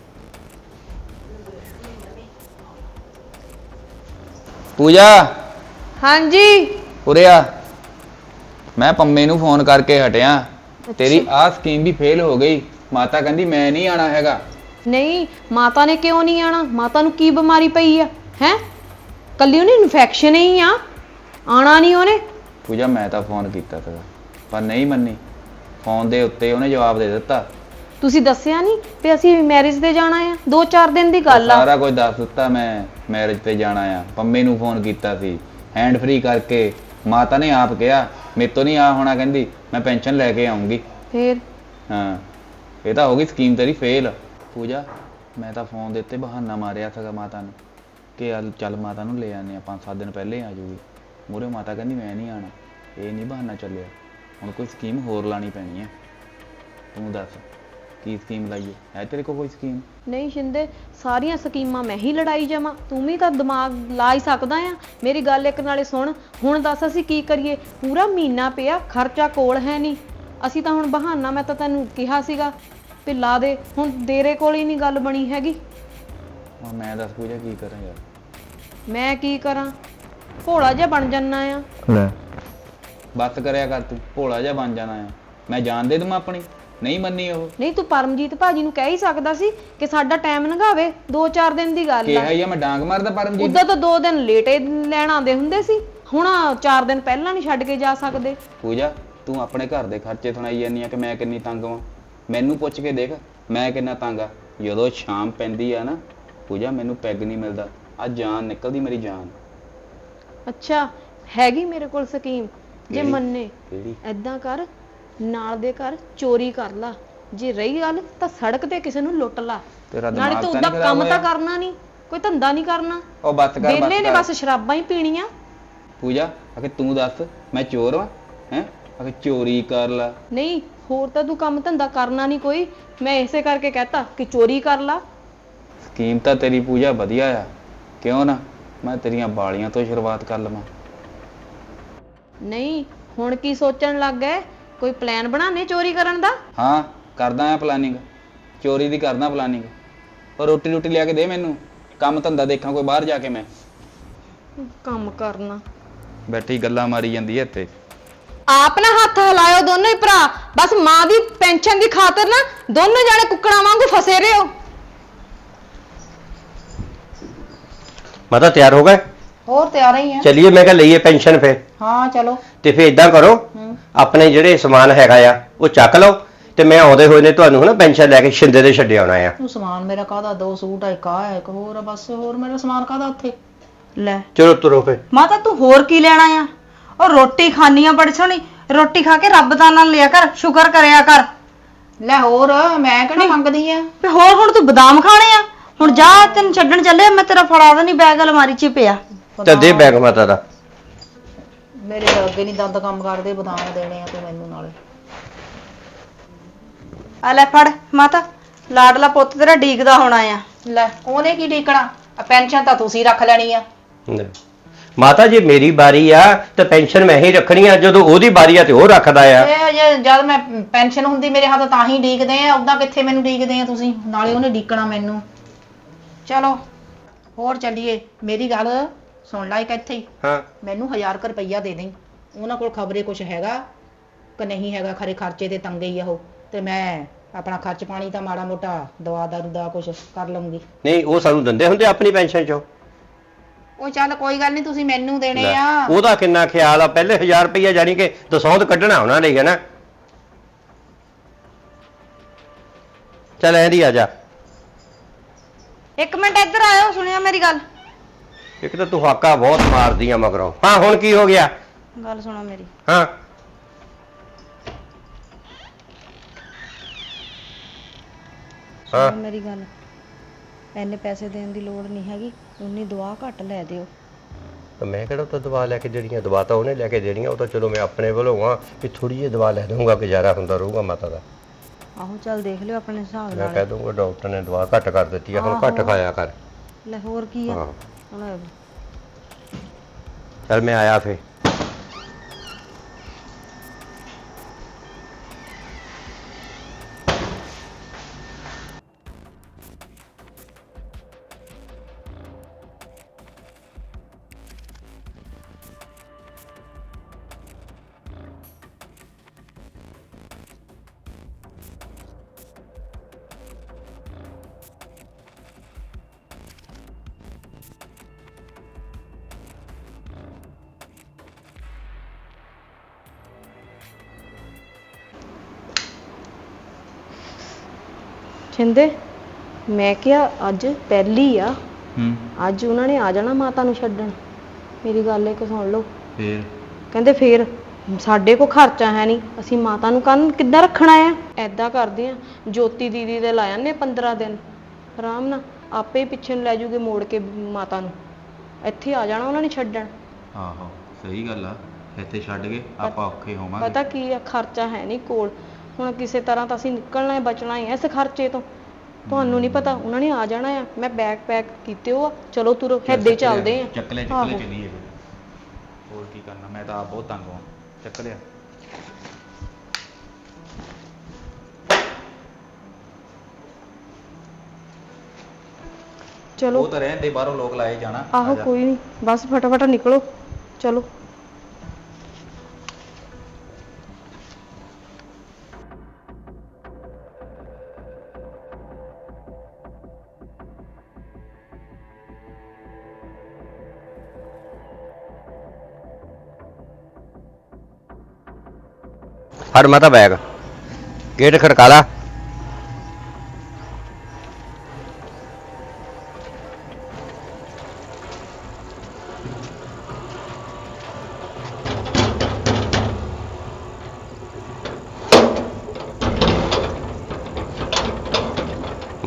[SPEAKER 2] ਪੂਜਾ
[SPEAKER 1] ਹਾਂਜੀ।
[SPEAKER 2] ਉਰੇ ਆ। ਮੈਂ ਪੰਮੇ ਨੂੰ ਫੋਨ ਕਰਕੇ ਹਟਿਆ, ਤੇਰੀ ਆਹ ਸਕੀਮ ਵੀ ਫੇਲ ਹੋ ਗਈ। ਮਾਤਾ ਕਹਿੰਦੀ ਮੈਂ ਨਹੀਂ ਆਣਾ ਹੈਗਾ।
[SPEAKER 1] ਨਹੀਂ, ਮਾਤਾ ਨੇ ਕਿਉਂ ਨਹੀਂ ਆਣਾ? ਮਾਤਾ ਨੂੰ ਕੀ ਬਿਮਾਰੀ ਪਈ ਆ? ਹੈ ਕੱਲੀ ਉਹਨੇ ਇਨਫੈਕਸ਼ਨ ਹੀ ਆ, ਆਣਾ ਨਹੀਂ ਉਹਨੇ।
[SPEAKER 2] ਪੂਜਾ ਮੈਂ ਤਾਂ ਫੋਨ ਕੀਤਾ ਸੀਗਾ ਪਰ ਨਹੀਂ ਮੰਨੀ। ਫੋਨ ਦੇ ਉੱਤੇ ਉਹਨੇ ਜਵਾਬ ਦੇ ਦਿੱਤਾ।
[SPEAKER 1] ਤੁਸੀਂ ਦੱਸਿਆ ਨਹੀਂ ਵੀ ਅਸੀਂ ਮੈਰਿਜ ਤੇ ਜਾਣਾ ਆ? ਦੋ ਚਾਰ ਦਿਨ ਦੀ ਗੱਲ ਆ।
[SPEAKER 2] ਸਾਰਾ ਕੁਝ ਦੱਸ ਦਿੱਤਾ ਮੈਂ, ਮੈਰਿਜ ਤੇ ਜਾਣਾ ਆ। ਪੰਮੇ ਨੂੰ ਫੋਨ ਕੀਤਾ ਸੀ ਹੈਂਡ ਫ੍ਰੀ ਕਰਕੇ। ਮਾਤਾ ਨੇ ਆਪ ਕਿਹਾ ਮੇਰੇ ਤੋਂ ਨਹੀਂ ਆ ਹੋਣਾ, ਕਹਿੰਦੀ ਮੈਂ ਪੈਨਸ਼ਨ ਲੈ ਕੇ ਆਉਂਗੀ।
[SPEAKER 1] ਫੇਰ
[SPEAKER 2] ਹਾਂ, ਇਹ ਤਾਂ ਹੋ ਗਈ ਸਕੀਮ ਤੇਰੀ ਫੇਲ। ਪੂਜਾ ਮੈਂ ਤਾਂ ਫੋਨ ਦੇ ਉੱਤੇ ਬਹਾਨਾ ਮਾਰਿਆ ਸੀਗਾ ਮਾਤਾ ਨੂੰ ਕਿ ਚੱਲ ਚੱਲ ਮਾਤਾ ਨੂੰ ਲੈ ਆਨੇ ਆ, ਪੰਜ ਸੱਤ ਦਿਨ ਪਹਿਲੇ ਆ ਜਾਊਗੀ। ਮੂਹਰੇ ਮਾਤਾ ਕਹਿੰਦੀ ਮੈਂ ਨਹੀਂ ਆਣਾ। ਇਹ ਨਹੀਂ ਬਹਾਨਾ ਚੱਲਿਆ, ਹੁਣ ਕੋਈ ਸਕੀਮ ਹੋਰ ਲਾਣੀ ਪੈਣੀ ਹੈ। ਤੂੰ ਦੱਸ ਕੀ ਸਕੀਮ ਲਾਈਏ? ਹੈ ਤੇਰੇ ਕੋਲ ਕੋਈ ਸਕੀਮ?
[SPEAKER 1] ਨਹੀਂ ਸ਼ਿੰਦੇ, ਸਾਰੀਆਂ ਸਕੀਮਾਂ ਮੈਂ ਹੀ ਲੜਾਈ ਜਾਵਾਂ? ਤੂੰ ਵੀ ਤਾਂ ਦਿਮਾਗ ਲਾ ਹੀ ਸਕਦਾ ਆ। ਮੇਰੀ ਗੱਲ ਇੱਕ ਨਾਲੇ ਸੁਣ, ਹੁਣ ਦੱਸ ਅਸੀਂ ਕੀ ਕਰੀਏ? ਪੂਰਾ ਮਹੀਨਾ ਪਿਆ, ਖਰਚਾ ਕੋਲ ਹੈ ਨਹੀਂ। ਅਸੀਂ ਤਾਂ ਹੁਣ ਬਹਾਨਾ, ਮੈਂ ਤਾਂ ਤੈਨੂੰ ਕਿਹਾ ਸੀਗਾ ਵੀ ਲਾ ਦੇ, ਹੁਣ ਤੇਰੇ ਕੋਲ ਹੀ ਨਹੀਂ ਗੱਲ ਬਣੀ ਹੈਗੀ।
[SPEAKER 2] ਹੁਣ ਮੈਂ ਦੱਸ ਪੂਜਾ ਕੀ ਕਰਾਂ ਯਾਰ?
[SPEAKER 1] ਮੈਂ ਕੀ ਕਰਾਂ? ਭੋਲਾ ਜਿਹਾ ਬਣ ਜਾਨਾ ਆ।
[SPEAKER 2] ਲੈ ਬਸ ਕਰਿਆ ਕਰ, ਤੂੰ ਭੋਲਾ ਜਿਹਾ ਬਣ ਜਾਣਾ ਆ। ਮੈਂ ਜਾਣ ਦੇ ਦੂੰ ਆਪਣੀ, ਨਹੀਂ ਮੰਨੀ ਉਹ।
[SPEAKER 1] ਨਹੀਂ ਤੂੰ ਪਰਮਜੀਤ ਭਾਜੀ ਨੂੰ ਕਹਿ ਹੀ ਸਕਦਾ ਸੀ ਕਿ ਸਾਡਾ ਟਾਈਮ ਲੰਘਾਵੇ, ਦੋ ਚਾਰ ਦਿਨ ਦੀ ਗੱਲ
[SPEAKER 2] ਕਿਹਾ
[SPEAKER 1] ਆ।
[SPEAKER 2] ਹੀ ਆ ਮੈਂ ਡਾਂਗ ਮਾਰਦਾ ਪਰਮਜੀਤ।
[SPEAKER 1] ਉਦੋਂ ਤਾਂ ਦੋ ਦਿਨ ਲੇਟੇ ਲੈਣ ਆਉਂਦੇ ਹੁੰਦੇ ਸੀ, ਹੁਣ ਚਾਰ ਦਿਨ ਪਹਿਲਾਂ ਨਹੀਂ ਛੱਡ ਕੇ ਜਾ ਸਕਦੇ।
[SPEAKER 2] ਪੂਜਾ ਤੂੰ ਆਪਣੇ ਘਰ ਦੇ ਖਰਚੇ ਸੁਣਾਈ ਜਾਂਦੀ ਆ ਕਿ ਮੈਂ ਕਿੰਨੀ ਤੰਗ ਵਾਂ। ਮੈਨੂੰ ਪੁੱਛ ਕੇ ਦੇਖ ਮੈਂ ਕਿੰਨਾ ਤੰਗ ਆ। ਜਦੋਂ ਸ਼ਾਮ ਪੈਂਦੀ ਆ ਨਾ ਪੂਜਾ, ਮੈਨੂੰ ਪੈਗ ਨਹੀਂ ਮਿਲਦਾ, ਆ ਜਾਨ ਨਿਕਲਦੀ ਮੇਰੀ ਜਾਨ।
[SPEAKER 1] ਅੱਛਾ, ਹੈਗੀ ਮੇਰੇ ਕੋਲ ਸਕੀਮ। ਜੇ
[SPEAKER 3] ਕਿਹੜੀ?
[SPEAKER 1] ਮੰਨੇ
[SPEAKER 3] ਕਿਹੜੀ?
[SPEAKER 1] ਐਦਾਂ ਕਰ, ਨਾਲ ਦੇ ਘਰ ਚੋਰੀ ਕਰ ਲਾ, ਜੇ ਰਹੀ ਗੱਲ ਤਾਂ ਸੜਕ ਤੇ ਕਿਸੇ ਨੂੰ ਲੁੱਟ ਲਾ।
[SPEAKER 2] ਤੇਰਾ
[SPEAKER 1] ਨਾਲੇ
[SPEAKER 2] ਦਿਮਾਗ
[SPEAKER 1] ਤੂੰ
[SPEAKER 2] ਤਾਂ
[SPEAKER 1] ਉਹਦਾ
[SPEAKER 2] ਨਹੀਂ
[SPEAKER 1] ਕੰਮ
[SPEAKER 2] ਖਰਾਬ
[SPEAKER 1] ਤਾਂ
[SPEAKER 2] ਹੋਇਆ?
[SPEAKER 1] ਕਰਨਾ ਨਹੀਂ, ਕੋਈ ਧੰਦਾ ਨਹੀਂ ਕਰਨਾ,
[SPEAKER 2] ਉਹ ਬੱਸ ਕਰ ਬੱਸ
[SPEAKER 1] ਵਿਹਲੇ ਨੇ
[SPEAKER 2] ਕਰ
[SPEAKER 1] ਬਸ ਸ਼ਰਾਬਾਂ ਹੀ ਪੀਣੀਆਂ।
[SPEAKER 2] ਪੂਜਾ ਅਖੇ ਤੂੰ ਦੱਸ ਮੈਂ ਚੋਰ ਵਾਂ ਹੈ ਅਖੇ ਚੋਰੀ ਕਰ ਲਾ।
[SPEAKER 1] ਨਹੀਂ ਹੋਰ ਤਾਂ ਤੂੰ ਕੰਮ ਧੰਦਾ ਕਰਨਾ ਨਹੀਂ ਕੋਈ, ਮੈਂ ਇਸੇ ਕਰਕੇ ਕਹਤਾ ਕਿ ਚੋਰੀ ਕਰ ਲਾ।
[SPEAKER 2] ਸਕੀਮ ਤਾਂ ਤੇਰੀ ਪੂਜਾ ਵਧੀਆ ਆ, ਕਿਉਂ ਨਾ ਮੈਂ ਤੇਰੀਆਂ ਬਾਲੀਆਂ ਤੋਂ ਸ਼ੁਰੂਆਤ ਕਰ ਲਵਾਂ।
[SPEAKER 1] ਨਹੀਂ ਹੁਣ ਕੀ ਸੋਚਣ ਲੱਗ ਗਏ, ਕੋਈ ਪਲਾਨ ਬਣਾਣੇ ਚੋਰੀ ਕਰਨ ਦਾ?
[SPEAKER 2] ਹਾਂ ਕਰਦਾ ਆ ਪਲਾਨਿੰਗ, ਚੋਰੀ ਦੀ ਕਰਦਾ ਪਲਾਨਿੰਗ। ਪਰ ਰੋਟੀ ਰੋਟੀ ਲਿਆ ਕੇ ਦੇ ਮੈਨੂੰ, ਕੰਮ ਧੰਦਾ ਦੇਖਾਂ ਕੋਈ ਬਾਹਰ ਜਾ ਕੇ। ਮੈਂ
[SPEAKER 1] ਕੰਮ ਕਰਨਾ
[SPEAKER 2] ਬੈਠੀ ਗੱਲਾਂ ਮਾਰੀ ਜਾਂਦੀ ਐ ਇੱਥੇ।
[SPEAKER 1] ਆਪ ਨਾ ਹੱਥ ਹਿਲਾਇਓ ਦੋਨੋਂ ਹੀ ਭਰਾ, ਬਸ ਮਾਂ ਦੀ ਪੈਨਸ਼ਨ ਦੀ ਖਾਤਰ ਨਾ ਦੋਨੋਂ ਜਾਣੇ ਕੁੱਕੜਾਂ ਵਾਂਗੂ ਫਸੇ ਰਹੋ।
[SPEAKER 3] ਮਾਤਾ ਤਿਆਰ ਹੋ ਗਏ?
[SPEAKER 6] ਹੋਰ ਤਿਆਰ ਹੀ ਆ।
[SPEAKER 3] ਚਲਿਏ ਮੈਂ ਕਿਹਾ ਲਈਏ ਪੈਨਸ਼ਨ ਫਿਰ।
[SPEAKER 6] ਹਾਂ ਚਲੋ।
[SPEAKER 3] ਤੇ ਫਿਰ ਇਦਾਂ ਕਰੋ, ਆਪਣੇ ਜਿਹੜੇ ਸਮਾਨ ਹੈਗਾ ਆ ਉਹ ਚੱਕ ਲਓ, ਤੇ ਮੈਂ ਆਉਂਦੇ ਹੋਏ ਨੇ ਤੁਹਾਨੂੰ ਨਾ ਪੈਨਸ਼ਨ ਲੈ ਕੇ ਸ਼ਿੰਦੇ ਦੇ ਛੱਡੇ ਆਉਣਾ ਆ।
[SPEAKER 6] ਉਹ ਸਮਾਨ ਮੇਰਾ ਕਾਹਦਾ, ਦੋ ਸੂਟ ਆ, ਇੱਕ ਆ ਹੈ, ਇੱਕ ਹੋਰ ਆ, ਬਸ ਹੋਰ ਮੇਰਾ ਸਮਾਨ ਕਾਹਦਾ ਉੱਥੇ।
[SPEAKER 4] ਲੈ
[SPEAKER 3] ਚਲੋ ਤੁਰੋ ਫਿਰ।
[SPEAKER 4] ਮਾਤਾ ਤੂੰ ਹੋਰ ਕੀ ਲੈਣਾ ਆ? ਉਹ ਰੋਟੀ ਖਾਣੀ ਆ ਬੜੀ ਸੋਹਣੀ, ਰੋਟੀ ਖਾ ਕੇ ਰੱਬ ਦਾ ਨਾਮ ਲਿਆ ਕਰ, ਸ਼ੁਕਰ ਕਰਿਆ ਕਰ।
[SPEAKER 6] ਲੈ ਹੋਰ ਮੈਂ ਕਿਹੜਾ ਮੰਗਦੀ ਆ।
[SPEAKER 4] ਤੇ ਹੋਰ ਹੁਣ ਤੂੰ ਬਦਾਮ ਖਾਣੇ ਆ? ਹੁਣ ਜਾ ਤੈਨੂੰ ਛੱਡਣ ਚੱਲੇ, ਮੈਂ ਤੇਰਾ ਫੜਾ ਦੇਣੀ ਬੈਗ ਅਲਮਾਰੀ 'ਚ ਪਿਆ।
[SPEAKER 3] ਤੇ ਦੇ ਬੈਗ ਮਾਤਾ ਦਾ।
[SPEAKER 6] ਮੇਰੇ ਤਾਂ ਅੱਗੇ ਨਹੀਂ ਦੰਦ ਕੰਮ ਕਰਦੇ, ਬਦਾਮ ਦੇਣੇ ਆ ਤੂੰ ਮੈਨੂੰ ਨਾਲੇ।
[SPEAKER 4] ਆ ਲੈ ਫੜ ਮਾਤਾ, ਲਾਡਲਾ ਪੁੱਤ ਤੇਰਾ ਡੀਕਦਾ ਹੋਣਾ ਆ।
[SPEAKER 6] ਲੈ ਉਹਨੇ ਕੀ ਡੀਕਣਾ, ਪੈਨਸ਼ਨ ਤਾਂ ਤੁਸੀਂ ਰੱਖ ਲੈਣੀ ਆ।
[SPEAKER 3] ਲੈ। ਮਾਤਾ ਜੀ ਮੇਰੀ ਵਾਰੀ ਆ ਤੇ ਪੈਨਸ਼ਨ ਮੈਂ ਹੀ ਰੱਖਣੀ ਆ, ਜਦੋਂ ਉਹਦੀ ਵਾਰੀ ਆ ਤੇ ਉਹ ਰੱਖਦਾ ਆ।
[SPEAKER 6] ਇਹ ਜੇ ਜਦ ਮੈਂ ਪੈਨਸ਼ਨ ਹੁੰਦੀ ਮੇਰੇ ਹੱਥ ਤਾਂ ਹੀ ਡੀਕਦੇ ਆ, ਉਦਾਂ ਕਿੱਥੇ ਮੈਨੂੰ ਡੀਕਦੇ ਆ ਤੁਸੀਂ, ਨਾਲੇ ਉਹਨੇ ਡੀਕਣਾ ਮੈਨੂੰ। ਚਲੋ ਹੋਰ ਚੱਲੀਏ। ਮੇਰੀ ਗੱਲ ਸੁਣ ਲੈ ਇੱਕ ਇੱਥੇ ਹੀ,
[SPEAKER 3] ਹਾਂ
[SPEAKER 6] ਮੈਨੂੰ ਹਜ਼ਾਰ ਕੁ ਰੁਪਈਆ ਦੇ ਦੇਂ। ਉਹਨਾਂ ਕੋਲ ਖਬਰੇ ਕੁਛ ਹੈਗਾ ਕਿ ਨਹੀਂ ਹੈਗਾ, ਖਰੇ ਖਰਚੇ ਤੇ ਤੰਗੇ ਹੀ ਆ ਉਹ, ਤੇ ਮੈਂ ਆਪਣਾ ਖਰਚ ਪਾਣੀ ਤਾਂ ਮਾੜਾ ਮੋਟਾ ਦਵਾ ਦਾਰੂ ਦਾ ਕੁਛ ਕਰ ਲਵਾਂਗੀ।
[SPEAKER 3] ਨਹੀਂ ਉਹ ਸਾਨੂੰ ਦਿੰਦੇ ਹੁੰਦੇ ਆਪਣੀ ਪੈਨਸ਼ਨ ਚੋਂ।
[SPEAKER 6] ਉਹ ਚੱਲ ਕੋਈ ਗੱਲ ਨਹੀਂ, ਤੁਸੀਂ ਮੈਨੂੰ ਦੇਣੇ
[SPEAKER 3] ਲੈ,
[SPEAKER 6] ਆ।
[SPEAKER 3] ਉਹਦਾ ਕਿੰਨਾ ਖਿਆਲ ਆ, ਪਹਿਲੇ ਹਜ਼ਾਰ ਰੁਪਈਆ ਜਾਨੀ ਕਿ ਦਸੌਂਦ ਕੱਢਣਾ ਉਹਨਾਂ ਲਈ ਹੈ ਨਾ। ਚੱਲ ਐਂਦੀ ਆ ਜਾ।
[SPEAKER 4] ਇੱਕ ਮਿੰਟ ਇੱਧਰ ਆਇਓ, ਸੁਣਿਆ ਮੇਰੀ ਗੱਲ।
[SPEAKER 3] ਇੱਕ ਤਾਂ ਤੂੰ ਹਾਕਾ ਬਹੁਤ ਮਾਰਦੀ ਆ ਮਗਰੋਂ। ਹਾਂ ਹੁਣ ਕੀ ਹੋ ਗਿਆ?
[SPEAKER 4] ਗੱਲ ਸੁਣੋ ਮੇਰੀ।
[SPEAKER 3] ਹਾਂ
[SPEAKER 4] ਸੁਣੋ ਮੇਰੀ ਗੱਲ, ਐਨੇ ਪੈਸੇ ਦੇਣ ਦੀ ਲੋੜ ਨਹੀਂ ਹੈਗੀ, ਉਨੀ ਦੁਆ ਘੱਟ ਲੈ ਦਿਓ।
[SPEAKER 3] ਤਾਂ ਮੈਂ ਕਿਹੜਾ ਤਾਂ ਦਵਾ ਲੈ ਕੇ ਦੇਣੀਆਂ, ਦਵਾ ਤਾਂ ਉਹਨੇ ਲੈ ਕੇ ਦੇਣੀਆਂ। ਉਹ ਤਾਂ ਚਲੋ ਮੈਂ ਆਪਣੇ ਵੱਲੋਂ ਆ ਕਿ ਥੋੜੀ ਜਿਹੀ ਦਵਾ ਲੈ ਦਊਂਗਾ, ਗੁਜ਼ਾਰਾ ਹੁੰਦਾ ਰਹੂਗਾ ਮਾਤਾ ਦਾ।
[SPEAKER 4] ਆਹੋ ਚੱਲ ਦੇਖ ਲਿਓ ਆਪਣੇ ਹਿਸਾਬ
[SPEAKER 3] ਮੈਂ
[SPEAKER 4] ਨਾਲ।
[SPEAKER 3] ਕਹਿ ਦਊਂਗਾ ਡਾਕਟਰ ਨੇ ਦਵਾ ਘੱਟ ਕਰ ਦਿੱਤੀ ਆ, ਹੁਣ ਘੱਟ ਖਾਇਆ ਕਰ।
[SPEAKER 4] ਲੈ ਹੋਰ ਕੀ ਆ
[SPEAKER 3] ਹਾਂ
[SPEAKER 4] ਹੁਣ।
[SPEAKER 3] ਚੱਲ ਮੈਂ ਆਇਆ ਫੇ।
[SPEAKER 1] ਛਿੰਦੇ ਮੈਂ ਕਿਹਾ ਅੱਜ ਪਹਿਲੀ ਆ,
[SPEAKER 2] ਹੂੰ
[SPEAKER 1] ਅੱਜ ਉਹਨਾਂ ਨੇ ਆ ਜਾਣਾ ਮਾਤਾ ਨੂੰ ਛੱਡਣ। ਮੇਰੀ ਗੱਲ ਇੱਕ ਸੁਣ ਲਓ,
[SPEAKER 2] ਫੇਰ
[SPEAKER 1] ਕਹਿੰਦੇ ਫੇਰ ਸਾਡੇ ਕੋਲ ਖਰਚਾ ਹੈ ਨਹੀਂ, ਅਸੀਂ ਮਾਤਾ ਨੂੰ ਕੰਨ ਕਿੱਦਾਂ ਰੱਖਣਾ ਆ? ਐਦਾਂ ਕਰਦੇ ਆ, ਜੋਤੀ ਦੀਦੀ ਦੇ ਲਾ ਜਾਂਦੇ ਪੰਦਰਾਂ ਦਿਨ, ਆਰਾਮ ਨਾਲ ਆਪੇ ਹੀ ਪਿੱਛੇ ਨੂੰ ਲੈ ਜੂਗੇ ਮੋੜ ਕੇ ਮਾਤਾ ਨੂੰ, ਇੱਥੇ ਆ ਜਾਣਾ ਉਹਨਾਂ ਨੇ ਛੱਡਣ।
[SPEAKER 2] ਆਹੋ ਸਹੀ ਗੱਲ ਆ, ਇੱਥੇ ਛੱਡ ਕੇ ਆਪਾਂ ਔਖੇ ਹੋਵਾਂਗੇ।
[SPEAKER 1] ਪਤਾ ਕੀ ਆ, ਖਰਚਾ ਹੈ ਨਹੀਂ ਕੋਲ, ਹੁਣ ਕਿਸੇ ਤਰ੍ਹਾਂ ਤਾਂ ਅਸੀਂ ਨਿਕਲਣਾ ਹੈ, ਬਚਣਾ ਹੀ ਹੈ ਇਸ ਖਰਚੇ ਤੋਂ। ਤੁਹਾਨੂੰ ਨਹੀਂ ਪਤਾ, ਉਹਨਾਂ ਨੇ ਆ ਜਾਣਾ ਆ। ਮੈਂ ਬੈਗ ਪੈਕ ਕੀਤੇ ਹੋ ਆ, ਚਲੋ ਤੁਰੋ, ਏਦਾਂ ਹੀ ਚੱਲਦੇ ਆ।
[SPEAKER 2] ਚੱਕ ਲੈ ਚੱਕ ਲੈ ਚੱਲੀਏ। ਹੋਰ ਕੀ ਕਰਨਾ, ਮੈਂ ਤਾਂ ਆਪ ਬਹੁਤ ਤੰਗ ਹਾਂ। ਚੱਕ ਲਿਆ।
[SPEAKER 1] ਚਲੋ
[SPEAKER 2] ਉਹ ਤਾਂ ਰਹਿੰਦੇ, ਬਾਹਰੋਂ ਲੋਕ ਲਾਏ ਜਾਣਾ।
[SPEAKER 1] ਆਹੋ ਕੋਈ ਨਹੀਂ, ਬਸ ਫਟਾਫਟ ਨਿਕਲੋ, ਚਲੋ।
[SPEAKER 3] ਫੜ ਮਾਤਾ ਬੈਗ, ਗੇਟ ਖੜਕਾ ਲਾ।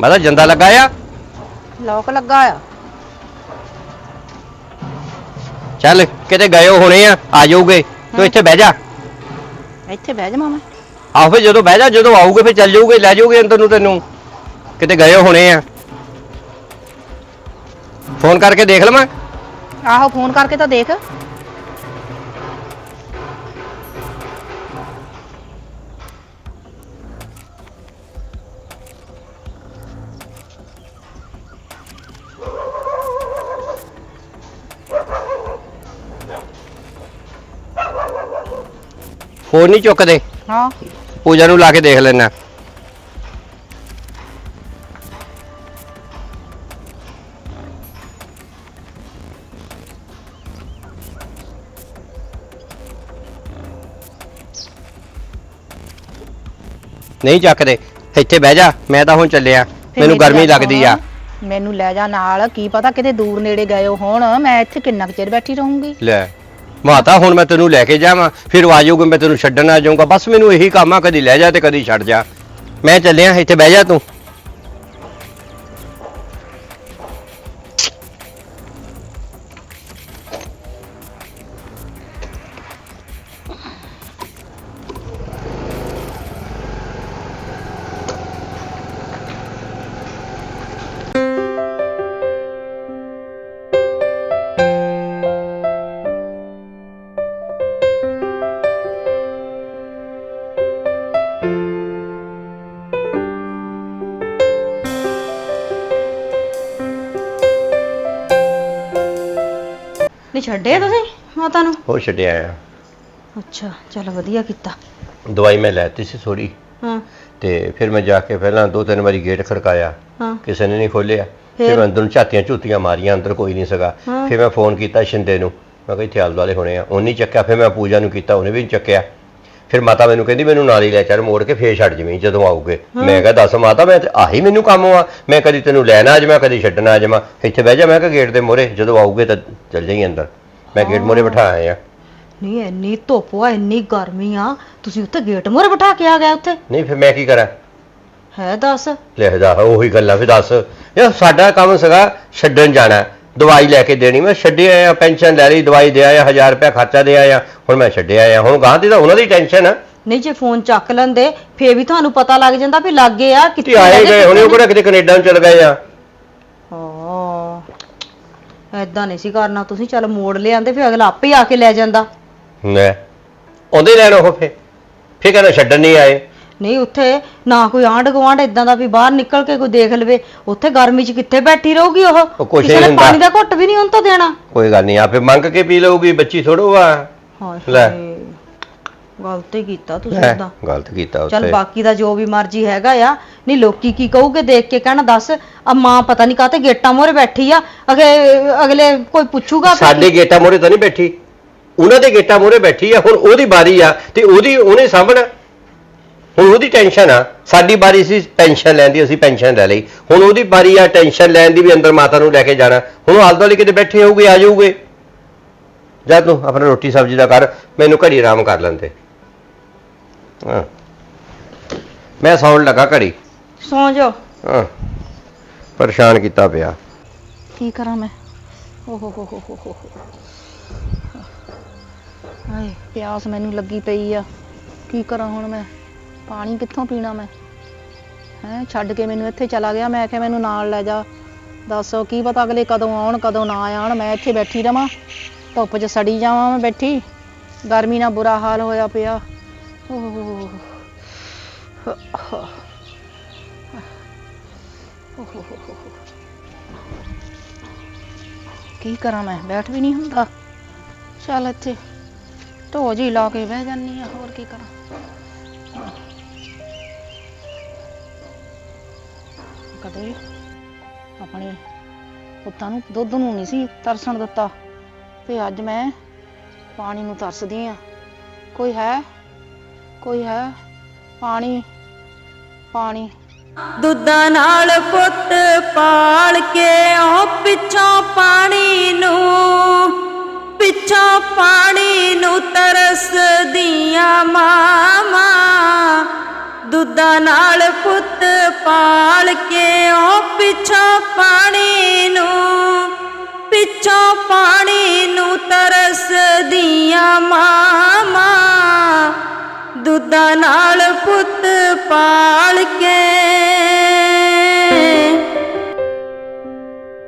[SPEAKER 3] ਮੈਂ ਤਾਂ ਜੰਦਾ ਲੱਗਾ ਆ।
[SPEAKER 6] ਲੋਕ ਲੱਗਾ ਆ।
[SPEAKER 3] ਚੱਲ ਕਿਤੇ ਗਏ ਹੋਣੇ ਆ, ਆ ਜਾਊਗੇ ਤੂੰ ਇੱਥੇ ਬਹਿ ਜਾ।
[SPEAKER 6] ਇੱਥੇ ਬਹਿ ਜਾਵਾਂ ਮੈਂ?
[SPEAKER 3] ਆਹੋ ਫਿਰ ਜਦੋਂ ਬਹਿ ਜਾ, ਜਦੋਂ ਆਊਗੇ ਫਿਰ ਚੱਲ ਜਾਊਗੇ, ਲੈ ਜਾਊਗੇ ਅੰਦਰ ਨੂੰ ਤੈਨੂੰ। ਕਿਤੇ ਗਏ ਹੋਣੇ ਆ, ਫੋਨ ਕਰਕੇ ਦੇਖ ਲਵਾਂ।
[SPEAKER 6] ਆਹੋ ਫੋਨ ਕਰਕੇ ਤਾਂ ਦੇਖ।
[SPEAKER 3] ਫੋਨ ਨਹੀਂ ਚੁੱਕਦੇ।
[SPEAKER 6] ਹਾਂ
[SPEAKER 3] ਪੂਜਾ ਨੂੰ ਲਾ ਕੇ ਦੇਖ ਲੈਣਾ। ਨਹੀਂ ਚੱਕਦੇ, ਇੱਥੇ ਬਹਿ ਜਾ, ਮੈਂ ਤਾਂ ਹੁਣ ਚੱਲਿਆ,
[SPEAKER 6] ਫਿਰ
[SPEAKER 3] ਮੈਨੂੰ
[SPEAKER 6] ਮੇਰੀ
[SPEAKER 3] ਗਰਮੀ
[SPEAKER 6] ਗੱਲ
[SPEAKER 3] ਲੱਗਦੀ ਆ।
[SPEAKER 6] ਸੁਣ, ਮੈਨੂੰ ਲੈ ਜਾ ਨਾਲ, ਕੀ ਪਤਾ ਕਿਤੇ ਦੂਰ ਨੇੜੇ ਗਏ ਹੋਣ, ਮੈਂ ਇੱਥੇ ਕਿੰਨਾ ਕੁ ਚਿਰ ਬੈਠੀ ਰਹੂੰਗੀ।
[SPEAKER 3] ਲੈ ਮਾਤਾ ਹੁਣ ਮੈਂ ਤੈਨੂੰ ਲੈ ਕੇ ਜਾਵਾਂ, ਫਿਰ ਆ ਜਾਊਗਾ, ਮੈਂ ਤੈਨੂੰ ਛੱਡਣ ਆ ਜਾਊਂਗਾ, ਬਸ ਮੈਨੂੰ ਇਹੀ ਕੰਮ ਆ, ਕਦੀ ਲੈ ਜਾ ਤੇ ਕਦੀ ਛੱਡ ਜਾ। ਮੈਂ ਚੱਲਿਆ, ਇੱਥੇ ਬਹਿ ਜਾ ਤੂੰ।
[SPEAKER 4] ਨਹੀਂ ਛੱਡੇ ਤੁਸੀਂ ਮਾਤਾ ਨੂੰ?
[SPEAKER 3] ਹੋ ਛੱਡਿਆ ਆ।
[SPEAKER 4] ਅੱਛਾ ਚਲ ਵਧੀਆ ਕੀਤਾ।
[SPEAKER 3] ਦਵਾਈ ਮੈਂ ਲੈਤੀ ਸੀ ਥੋੜੀ,
[SPEAKER 4] ਹਾਂ
[SPEAKER 3] ਤੇ ਫਿਰ ਮੈਂ ਜਾ ਕੇ ਪਹਿਲਾਂ ਦੋ ਤਿੰਨ ਵਾਰੀ ਗੇਟ ਖੜਕਾਇਆ,
[SPEAKER 4] ਹਾਂ
[SPEAKER 3] ਕਿਸੇ ਨੇ ਨਹੀਂ ਖੋਲਿਆ।
[SPEAKER 4] ਫਿਰ?
[SPEAKER 3] ਫਿਰ ਮੈਂ ਅੰਦਰ ਨੂੰ ਝਾਤੀਆਂ ਝੂਤੀਆਂ ਮਾਰੀਆਂ, ਅੰਦਰ ਕੋਈ ਨਹੀਂ ਸੀਗਾ।
[SPEAKER 4] ਹਾਂ।
[SPEAKER 3] ਫਿਰ ਮੈਂ ਫੋਨ ਕੀਤਾ ਸ਼ਿੰਦੇ ਨੂੰ, ਮੈਂ ਕਿਹਾ ਇੱਥੇ ਆਲੇ ਦੁਆਲੇ ਹੋਣੇ ਆ, ਉਹਨੇ ਚੱਕਿਆ। ਫਿਰ ਮੈਂ ਪੂਜਾ ਨੂੰ ਕੀਤਾ, ਉਹਨੇ ਵੀ ਨਹੀਂ ਚੱਕਿਆ। ਫਿਰ ਮਾਤਾ ਮੈਨੂੰ ਕਹਿੰਦੀ ਮੈਨੂੰ ਨਾਲ ਹੀ ਲੈ ਚੱਲ, ਮੋੜ ਕੇ ਫੇਰ ਛੱਡ ਜਵੀਂ ਜਦੋਂ ਆਊਗੇ। ਮੈਂ ਕਿਹਾ ਦੱਸ ਮਾਤਾ, ਮੈਂ ਤੇ ਆਹੀ ਮੈਨੂੰ ਕੰਮ ਆ, ਮੈਂ ਕਦੀ ਤੈਨੂੰ ਲੈਣਾ ਆ ਜਾਵਾਂ, ਕਦੀ ਛੱਡਣਾ ਆ ਜਾਵਾਂ, ਇੱਥੇ ਬਹਿ ਜਾ। ਮੈਂ ਕਿਹਾ ਗੇਟ ਦੇ ਮੋਹਰੇ, ਜਦੋਂ ਆਊਗੇ ਤਾਂ ਚੱਲ ਜਾਈਂ ਅੰਦਰ। ਮੈਂ ਗੇਟ ਮੋਹਰੇ ਬਿਠਾ ਆਇਆ।
[SPEAKER 4] ਨਹੀਂ ਇੰਨੀ ਧੁੱਪ ਆ, ਇੰਨੀ ਗਰਮੀ ਆ, ਤੁਸੀਂ ਉੱਥੇ ਗੇਟ ਮੂਹਰੇ ਬਿਠਾ ਕੇ ਆ ਗਏ ਉੱਥੇ?
[SPEAKER 3] ਨਹੀਂ ਫਿਰ ਮੈਂ ਕੀ ਕਰਾਂ?
[SPEAKER 4] ਹੈ ਦੱਸ।
[SPEAKER 3] ਲੈ ਜਾ, ਉਹੀ ਗੱਲਾਂ ਫਿਰ ਦੱਸ। ਯਾਰ ਸਾਡਾ ਕੰਮ ਸੀਗਾ ਛੱਡਣ ਜਾਣਾ, ਦਵਾਈ ਲੈ ਕੇ ਦੇਣੀ। ਮੈਂ ਛੱਡਿਆ ਆਇਆ, ਪੈਨਸ਼ਨ ਲੈ ਲਈ, ਦਵਾਈ ਦੇ ਆਇਆ, ਹਜ਼ਾਰ ਰੁਪਇਆ ਖਰਚਾ ਦੇ ਆਇਆ। ਹੁਣ ਮੈਂ ਛੱਡਿਆ ਆਇਆ, ਹੁਣ ਗਾਂ ਦੀ ਤਾਂ ਉਹਨਾਂ ਦੀ ਟੈਨਸ਼ਨ ਆ।
[SPEAKER 4] ਨਹੀਂ ਜੇ ਫੋਨ ਚੱਕ ਲੈਂਦੇ ਫੇਰ ਵੀ ਤੁਹਾਨੂੰ ਪਤਾ ਲੱਗ ਜਾਂਦਾ ਵੀ ਲੱਗੇ ਆ
[SPEAKER 3] ਤੇ ਆਏ ਗਏ ਹੁਣੇ, ਉਹ ਕਿਹੜਾ ਕਿਤੇ ਕੈਨੇਡਾ ਨੂੰ ਚਲ ਗਏ ਆ।
[SPEAKER 4] ਹਾਂ ਐਦਾਂ ਨਹੀਂ ਸੀ ਕਰਨਾ ਤੁਸੀਂ, ਚੱਲ ਮੋੜ ਲਿਆਂਦੇ ਫਿਰ ਅਗਲਾ ਆਪੇ ਆ ਕੇ ਲੈ ਜਾਂਦਾ।
[SPEAKER 3] ਲੈ ਆਉਂਦੇ ਲੈਣ ਉਹ, ਫੇ ਫੇ ਕਹਿੰਦਾ ਛੱਡਣ ਨਹੀਂ ਆਏ।
[SPEAKER 4] ਨਹੀਂ ਉੱਥੇ ਨਾ ਕੋਈ ਆਂਢ ਗੁਆਂਢ ਇਦਾਂ ਦਾ ਵੀ ਬਾਹਰ ਨਿਕਲ ਕੇ ਕੋਈ ਦੇਖ ਲਵੇ, ਉੱਥੇ ਗਰਮੀ 'ਚ ਕਿੱਥੇ ਬੈਠੀ ਰਹੂਗੀ ਉਹ?
[SPEAKER 3] ਉਹ ਕੁਛ
[SPEAKER 4] ਕਿਸੇ
[SPEAKER 3] ਨਹੀਂ
[SPEAKER 4] ਨੇ
[SPEAKER 3] ਹੁੰਦਾ।
[SPEAKER 4] ਪਾਣੀ ਦਾ ਘੁੱਟ ਵੀ ਨਹੀਂ ਉਹਨੂੰ ਤਾਂ ਦੇਣਾ।
[SPEAKER 3] ਕੋਈ ਗੱਲ ਨਹੀਂ, ਆਪੇ ਮੰਗ ਕੇ ਪੀ ਲਊਗੀ, ਬੱਚੀ ਥੋੜੋ ਆ।
[SPEAKER 4] ਹਾਏ
[SPEAKER 3] ਲੈ।
[SPEAKER 4] ਹਾਏ, ਗਲਤ ਹੀ ਕੀਤਾ ਤੁਸੀਂ
[SPEAKER 3] ਲੈ,
[SPEAKER 4] ਉਹਦਾ।
[SPEAKER 3] ਗਲਤ ਕੀਤਾ
[SPEAKER 4] ਚੱਲ
[SPEAKER 3] ਉੱਥੇ।
[SPEAKER 4] ਬਾਕੀ ਦਾ ਜੋ ਵੀ ਮਰਜ਼ੀ ਹੈਗਾ ਆ, ਨਹੀਂ ਲੋਕੀ ਕੀ ਕਹੂਗੇ ਦੇਖ ਕੇ, ਕਹਿਣਾ ਦੱਸ ਆ ਮਾਂ ਪਤਾ ਨਹੀਂ ਕਾਹਤੇ ਗੇਟਾਂ ਮੂਹਰੇ ਬੈਠੀ ਆ, ਅਗੇ ਅਗਲੇ ਕੋਈ ਪੁੱਛੂਗਾ ਫਿਰ
[SPEAKER 3] ਸਾਡੇ ਗੇਟਾਂ ਮੋਹਰੇ ਤਾਂ ਨਹੀਂ ਬੈਠੀ, ਉਹਨਾਂ ਦੇ ਗੇਟਾਂ ਮੋਹਰੇ ਬੈਠੀ ਆ। ਹੁਣ ਉਹਦੀ ਬਾਰੀ ਆ ਤੇ ਉਹਦੀ ਉਹਨੇ ਸਾਂਭਣਾ, ਹੁਣ ਉਹਦੀ ਟੈਨਸ਼ਨ ਆ। ਸਾਡੀ ਬਾਰੀ ਸੀ ਪੈਨਸ਼ਨ ਲੈਣ ਦੀ, ਅਸੀਂ ਪੈਨਸ਼ਨ ਲੈ ਲਈ। ਹੁਣ ਉਹਦੀ ਬਾਰੀ ਆ ਟੈਨਸ਼ਨ ਲੈਣ ਦੀ ਵੀ, ਅੰਦਰ ਮਾਤਾ ਨੂੰ ਲੈ ਕੇ ਜਾਣਾ। ਹੁਣ ਉਹ ਆਲੇ ਦੁਆਲੇ ਕਿਤੇ ਬੈਠੇ ਹੋਊਗੇ, ਆ ਜਾਊਗੇ। ਜਾ ਤੂੰ ਆਪਣਾ ਰੋਟੀ ਸਬਜ਼ੀ ਦਾ ਕਰ, ਮੈਨੂੰ ਘੜੀ ਆਰਾਮ ਕਰ ਲੈਂਦੇ। ਹਾਂ ਮੈਂ ਸੌਣ ਲੱਗਾ ਘੜੀ।
[SPEAKER 4] ਸੌਂ ਜਾਓ।
[SPEAKER 3] ਹਾਂ ਪਰੇਸ਼ਾਨ ਕੀਤਾ ਪਿਆ।
[SPEAKER 6] ਕੀ ਕਰਾਂ ਮੈਂ? ਓਹ ਹੋ ਹੋ ਹੋ ਹੋ ਹਾਏ ਪਿਆਸ ਮੈਨੂੰ ਲੱਗੀ ਪਈ ਆ, ਕੀ ਕਰਾਂ ਹੁਣ ਮੈਂ? ਪਾਣੀ ਕਿੱਥੋਂ ਪੀਣਾ ਮੈਂ? ਹੈਂ ਛੱਡ ਕੇ ਮੈਨੂੰ ਇੱਥੇ ਚਲਾ ਗਿਆ, ਮੈਂ ਕਿਹਾ ਮੈਨੂੰ ਨਾਲ ਲੈ ਜਾ। ਦੱਸ ਕੀ ਪਤਾ ਅਗਲੇ ਕਦੋਂ ਆਉਣ ਕਦੋਂ ਨਾ ਆਉਣ, ਮੈਂ ਇੱਥੇ ਬੈਠੀ ਰਵਾਂ ਧੁੱਪ 'ਚ ਸੜੀ ਜਾਵਾਂ ਮੈਂ ਬੈਠੀ, ਗਰਮੀ ਨਾਲ ਬੁਰਾ ਹਾਲ ਹੋਇਆ ਪਿਆ। ਓਹ ਕੀ ਕਰਾਂ ਮੈਂ? ਬੈਠ ਵੀ ਨਹੀਂ ਹੁੰਦਾ। ਚੱਲ ਇੱਥੇ ਢੋ ਜੀ ਲਾ ਕੇ ਬਹਿ ਜਾਂਦੀ ਆ, ਹੋਰ ਕੀ ਕਰਾਂ? ਕਦੇ ਆਪਣੇ ਪੁੱਤਾਂ ਨੂੰ ਦੁੱਧ ਨੂੰ ਨਹੀਂ ਸੀ ਤਰਸਣ ਦਿੱਤਾ, ਤੇ ਅੱਜ ਮੈਂ ਪਾਣੀ ਨੂੰ ਤਰਸਦੀ ਆ। ਕੋਈ ਹੈ? ਕੋਈ ਹੈ? ਪਾਣੀ ਪਾਣੀ।
[SPEAKER 7] ਦੁੱਧਾਂ ਨਾਲ ਪੁੱਤ ਪਾਲ ਕੇ ਉਹ ਪਿੱਛੋਂ ਪਾਣੀ ਨੂੰ, ਪਿੱਛੋਂ ਪਾਣੀ ਨੂੰ ਤਰਸਦੀਆਂ ਮਾਵਾਂ, ਦੁੱਧਾਂ ਨਾਲ ਪੁੱਤ ਪਾਲ ਕੇ ਉਹ ਪਿੱਛੋਂ ਪਾਣੀ ਨੂੰ ਪਿੱਛੋਂ ਪਾਣੀ ਨੂੰ ਤਰਸਦੀਆਂ ਮਾਵਾਂ ਦੁੱਧਾਂ ਨਾਲ ਪੁੱਤ ਪਾਲ ਕੇ